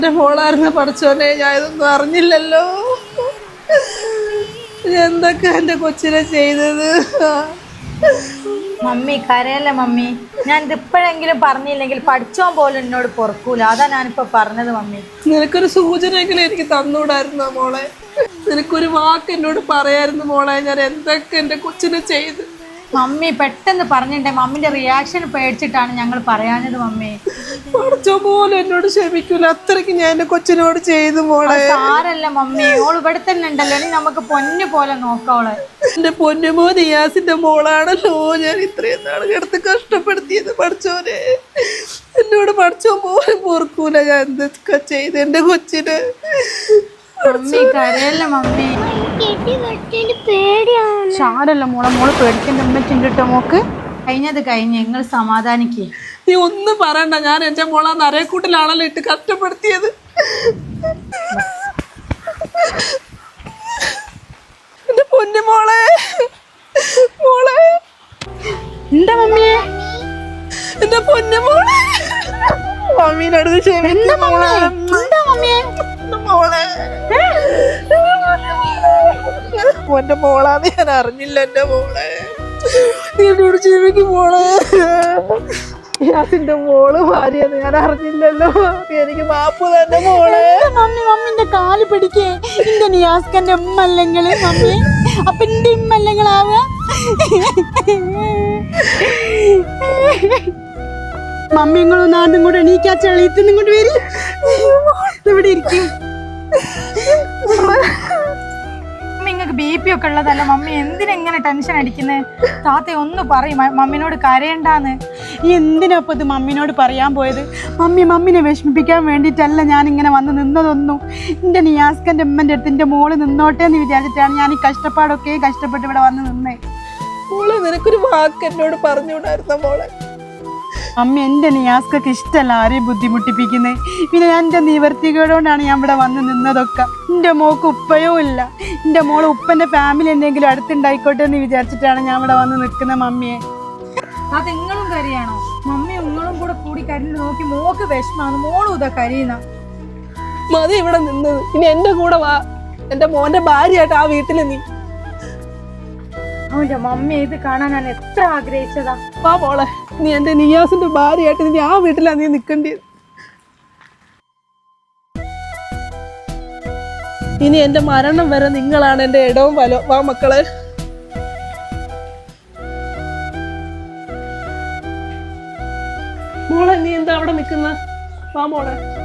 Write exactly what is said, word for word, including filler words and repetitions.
എന്റെ മോളായിരുന്ന പഠിച്ചോനെ ഞാൻ ഇതൊന്നും അറിഞ്ഞില്ലല്ലോ. എന്തൊക്കെ എന്റെ കൊച്ചിനെ ചെയ്തത്. മമ്മി കരയല്ലേ മമ്മി. ഞാൻ ഇതിപ്പോഴെങ്കിലും പറഞ്ഞില്ലെങ്കിൽ പഠിച്ചോൻ പോലും എന്നോട് പൊറുക്കൂല. അതാ ഞാനിപ്പോ പറഞ്ഞത് മമ്മി. നിനക്കൊരു സൂചനയെങ്കിലും എനിക്ക് തന്നൂടായിരുന്നോ മോളെ? നിനക്കൊരു വാക്ക് എന്നോട് പറയായിരുന്നു മോളെ. ഞാൻ എന്തൊക്കെ എന്റെ കൊച്ചിനെ ചെയ്ത്. മമ്മി പെട്ടെന്ന് പറഞ്ഞിട്ടേ മമ്മിന്റെ റിയാക്ഷൻ പേടിച്ചിട്ടാണ് ഞങ്ങൾ പറയാഞ്ഞത് മമ്മി. പഠിച്ചോ പോലും എന്നോട് ക്ഷമിക്കൂല. അത്രയ്ക്ക് ഞാൻ എന്റെ കൊച്ചിനോട് ചെയ്തു മോളെ. സാരല്ല മമ്മി, ഓള് ഇവിടെ തന്നെ ഉണ്ടല്ലോ. ഇനി നമുക്ക് പൊന്നു പോലെ നോക്കോളെ. എന്റെ പൊന്നുമോ നിയാസിന്റെ മോളാണല്ലോ ഞാൻ ഇത്രയും നാൾ കിടത്ത് കഷ്ടപ്പെടുത്തിയത്. പഠിച്ചോനെ എന്നോട് പഠിച്ചോ പോലും പൊറുക്കൂല. ഞാൻ എന്തൊക്കെ ചെയ്ത് എന്റെ കൊച്ചിന്. മമ്മി കരയല്ല മമ്മി. സാരല്ല മോളെ, മോള് പേടിക്കണ്ട. ഉമ്മച്ചിണ്ട് കേട്ടോ മോക്ക്. കഴിഞ്ഞത് കഴിഞ്ഞ് നിങ്ങൾ സമാധാനിക്കേ. നീ ഒന്നും പറയണ്ട. ഞാൻ എന്റെ മോളെ നരയക്കൂട്ടിലാണല്ലോ ഇട്ട് കഷ്ടപ്പെടുത്തിയത്. എന്റെ പൊന്നു മോളെ മോളെ എന്താ മമ്മിയെ? എന്റെ പൊന്നു മോളെ മമ്മീനടുത്ത് ക്ഷമിക്കുന്ന മോളെ. മോളെ എന്റെ മോളാന്ന് ഞാൻ അറിഞ്ഞില്ല. എന്റെ മോളെ നീ എന്നോട് ക്ഷമിക്കും മോളെ. നിയാസിന്റെ മോള് ഭാര്യന്ന് ഞാൻ അറിഞ്ഞില്ലല്ലോ. എനിക്ക് മാപ്പ് തന്നെ മോളെ. മമ്മി മമ്മിന്റെ കാല് പിടിക്കേ. എന്റെ നിയാസ്കന്റെ ഉമ്മ അല്ലെങ്കിൽ മമ്മി. അപ്പൊ എന്റെ ഉമ്മ അല്ലെങ്കിലാവുക. മമ്മി ഇങ്ങളൊന്നും ആണ്ടും കൂടെ എണീക്കാ ചെളിയത്തുനിന്നും കൊണ്ട് വരി. ഇവിടെ ഇരിക്കും. നിങ്ങൾക്ക് ബി പി ഒക്കെ ഉള്ളതല്ല മമ്മി. എന്തിനെങ്ങനെ ടെൻഷൻ അടിക്കുന്നത്? താത്ത ഒന്ന് പറയും മമ്മിനോട് കരയണ്ടാന്ന്. ഈ എന്തിനാപ്പോൾ ഇത് മമ്മിനോട് പറയാൻ പോയത്? മമ്മി മമ്മിനെ വിഷമിപ്പിക്കാൻ വേണ്ടിയിട്ടല്ല ഞാനിങ്ങനെ വന്ന് നിന്നതൊന്നും. എൻ്റെ നിയാസ്കൻ്റെ ഉമ്മൻ്റെ അടുത്ത് എൻ്റെ മോള് നിന്നോട്ടെ എന്ന് വിചാരിച്ചിട്ടാണ് ഞാൻ ഈ കഷ്ടപ്പാടൊക്കെ കഷ്ടപ്പെട്ട് ഇവിടെ വന്ന് നിന്നേ. മോളെ നിനക്കൊരു വാക്ക് എന്നോട് പറഞ്ഞുകൂടായിരുന്ന മോളെ? അമ്മ എൻ്റെ നിയാസ്കൊക്കെ ഇഷ്ടമല്ല ആരെയും ബുദ്ധിമുട്ടിപ്പിക്കുന്നത്. പിന്നെ എൻ്റെ നിവർത്തികേടുകൊണ്ടാണ് ഞാൻ ഇവിടെ വന്ന് നിന്നതൊക്കെ. എൻ്റെ മോൾക്ക് ഉപ്പയോ ഇല്ല. എൻ്റെ മോള് ഉപ്പൻ്റെ ഫാമിലി എന്തെങ്കിലും അടുത്തുണ്ടായിക്കോട്ടെ എന്ന് വിചാരിച്ചിട്ടാണ് ഞാൻ ഇവിടെ വന്ന് നിൽക്കുന്ന മമ്മിയെ. അത് നിങ്ങളും കരയാണോ? മമ്മി നിങ്ങളും കൂടെ കൂടി കരഞ്ഞു നോക്കി മോക്ക് വിഷമാണ്. മോളും ഇതാ കരയുന്ന. മതി ഇവിടെ നിന്നത്. ഇനി എന്റെ കൂടെ വാ. എന്റെ മോന്റെ ഭാര്യയായിട്ട് ആ വീട്ടില് നീ. അവന്റെ മമ്മി ഇത് കാണാൻ ഞാൻ എത്ര ആഗ്രഹിച്ചതാ. വാ മോളെ, നീ എന്റെ നിയാസിന്റെ ഭാര്യയായിട്ട് നീ ആ വീട്ടിലാ നീ നിൽക്കേണ്ടത്. ഇനി എന്റെ മരണം വരെ നിങ്ങളാണ് എന്റെ ഇടവും വലോ. വാ മക്കളെ. മോളെ നീ എന്താ അവിടെ നിൽക്കുന്ന? വാ മോളെ.